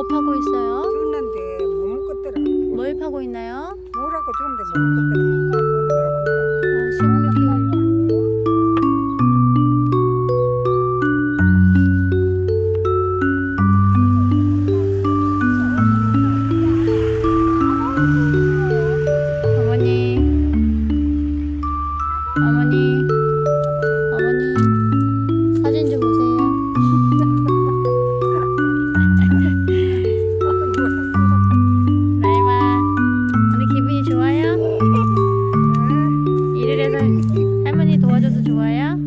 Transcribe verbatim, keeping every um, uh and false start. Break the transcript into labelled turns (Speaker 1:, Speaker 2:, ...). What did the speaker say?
Speaker 1: 파고 있어요?
Speaker 2: 줬는데 못 먹겠더라.
Speaker 1: 뭘 파고 있나요?
Speaker 2: 뭐라고 줬는데 못 먹겠더라.
Speaker 1: 아, 식물 키우려고. 어머니, 어머니, 어머니, 사진 좀 보세요. 라임아, 오늘 기분이 좋아요? 일을 해서 할머니 도와줘서 좋아요?